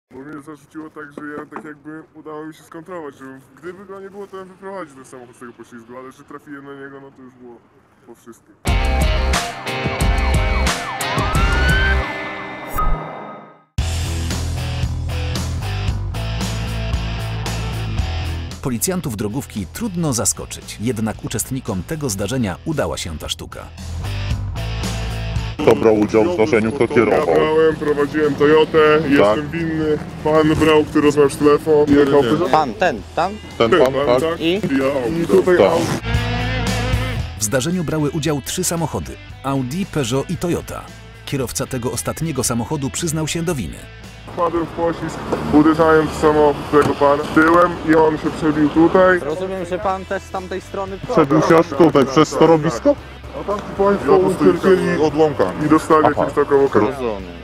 Bo mnie zarzuciło tak, że ja tak jakby udało mi się skontrolować, że gdyby go nie było, to bym wyprowadził ten samochód z tego poślizgu, ale że trafiłem na niego, no to już było po wszystkim. Policjantów drogówki trudno zaskoczyć, jednak uczestnikom tego zdarzenia udała się ta sztuka. Kto brał udział w zdarzeniu, kto kierował? Ja brałem, prowadziłem Toyotę, jestem winny. Pan brał, który rozmawiał w telefon, jechał. Pan, ten, tam? Ten pan, tak? tak? I? I tutaj Tak. Audi. W zdarzeniu brały udział 3 samochody – Audi, Peugeot i Toyota. Kierowca tego ostatniego samochodu przyznał się do winy. Wpadłem w poślizg, uderzałem w samochód tego pana tyłem i on się przebił tutaj. Rozumiem, że pan też z tamtej strony Przebił się aż tutaj, przez torowisko? A tam ci państwo ucierpieli odłamkami. i dostali Aha. jakimś taką okarę. Rozumiem.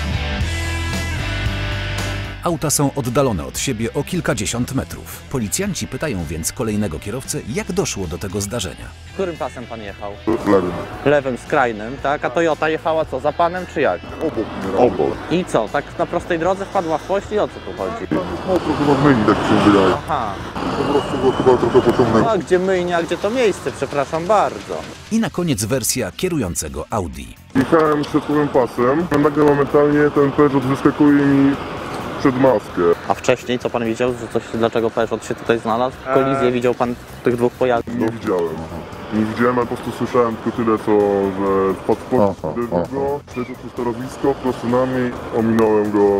Auta są oddalone od siebie o kilkadziesiąt metrów. Policjanci pytają więc kolejnego kierowcę, jak doszło do tego zdarzenia. Którym pasem pan jechał? Lewym. Lewym, skrajnym, tak? A Toyota jechała co, za panem czy jak? Obok. I co, tak na prostej drodze wpadła w poślizg? O co tu chodzi? Mokro chyba w myjni, tak się wydaje. Aha. Po prostu go chyba trochę pociągnęło. A gdzie myjnia, a gdzie to miejsce? Przepraszam bardzo. I na koniec wersja kierującego Audi. Jechałem środkowym pasem, a nagle momentalnie ten Peugeot wyskakuje mi przed maskę. A wcześniej co pan widział, że coś, dlaczego Peugeot się tutaj znalazł? Kolizję widział pan tych dwóch pojazdów? Nie widziałem. Nie widziałem, ale po prostu słyszałem tylko tyle, co, że wpadł w go, przeszedł przez torowisko, prosto na mnie, ominąłem go,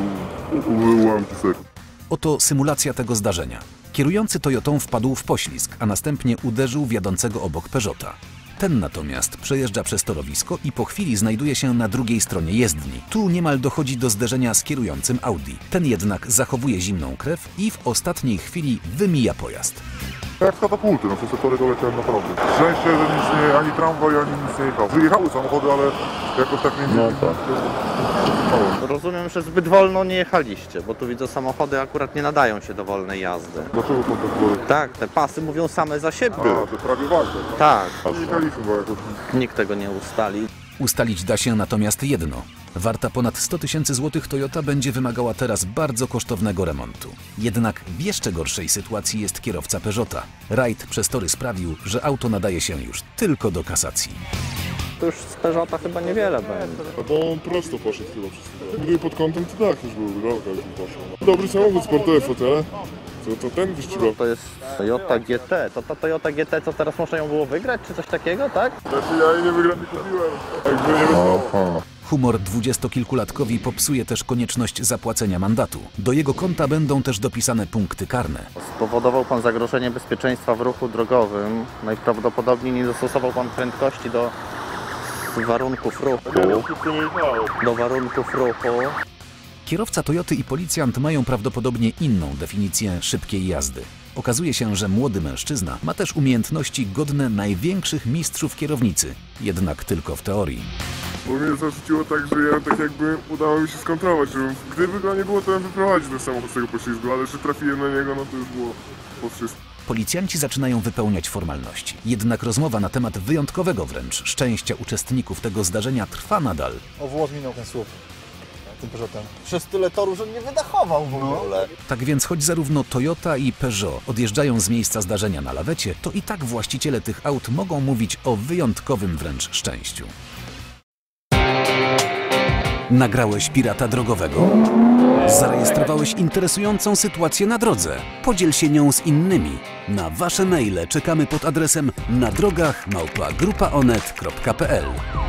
ułamki sekund. Oto symulacja tego zdarzenia. Kierujący Toyotą wpadł w poślizg, a następnie uderzył w jadącego obok Peugeota. Ten natomiast przejeżdża przez torowisko i po chwili znajduje się na drugiej stronie jezdni. Tu niemal dochodzi do zderzenia z kierującym Audi. Ten jednak zachowuje zimną krew i w ostatniej chwili wymija pojazd. Jak katapulty, no przez te tory doleciałem naprawdę. Szczęście, że nic nie, ani tramwaj, ani nic nie jechał. Wyjechały samochody, ale jakoś tak nie... No tak. Rozumiem, że zbyt wolno nie jechaliście, bo tu widzę samochody akurat nie nadają się do wolnej jazdy. Dlaczego pan tak było? Tak, te pasy mówią same za siebie. A, to prawie ważne. Tak, Nie jechaliśmy, bo jakoś... nikt tego nie ustali. Ustalić da się natomiast jedno. Warta ponad 100 000 złotych Toyota będzie wymagała teraz bardzo kosztownego remontu. Jednak w jeszcze gorszej sytuacji jest kierowca Peugeota. Rajd przez tory sprawił, że auto nadaje się już tylko do kasacji. To już z Peugeota chyba niewiele będzie. Bo on prosto poszedł chyba przez chwilę. Gdyby pod kątem, to tak, już byłby rolka, już by poszło. Dobry samochód, sportowe fotele. To ten wyścigowy. To jest Toyota GT. To ta Toyota GT, co teraz można ją było wygrać, czy coś takiego, tak? Znaczy ja jej nie wygram, nie kupiłem. Jakby nie wyszło. Humor dwudziestokilkulatkowi popsuje też konieczność zapłacenia mandatu. Do jego konta będą też dopisane punkty karne. Spowodował pan zagrożenie bezpieczeństwa w ruchu drogowym. Najprawdopodobniej nie dostosował pan prędkości do warunków ruchu. Do warunków ruchu. Kierowca Toyoty i policjant mają prawdopodobnie inną definicję szybkiej jazdy. Okazuje się, że młody mężczyzna ma też umiejętności godne największych mistrzów kierownicy, jednak tylko w teorii. Bo mnie zarzuciło tak, że ja tak jakby udało mi się skontrolować, że gdyby go nie było, to bym wyprowadził ten samochód z tego poślizgu, ale że trafiłem na niego, no to już było po wszystkim. Policjanci zaczynają wypełniać formalności. Jednak rozmowa na temat wyjątkowego wręcz szczęścia uczestników tego zdarzenia trwa nadal. O włos minął ten słup tym Peugeotem. Przez tyle torów, że nie wydachował w ogóle. Tak więc choć zarówno Toyota i Peugeot odjeżdżają z miejsca zdarzenia na lawecie, to i tak właściciele tych aut mogą mówić o wyjątkowym wręcz szczęściu. Nagrałeś pirata drogowego? Zarejestrowałeś interesującą sytuację na drodze? Podziel się nią z innymi. Na Wasze maile czekamy pod adresem nadrogach@grupaonet.pl.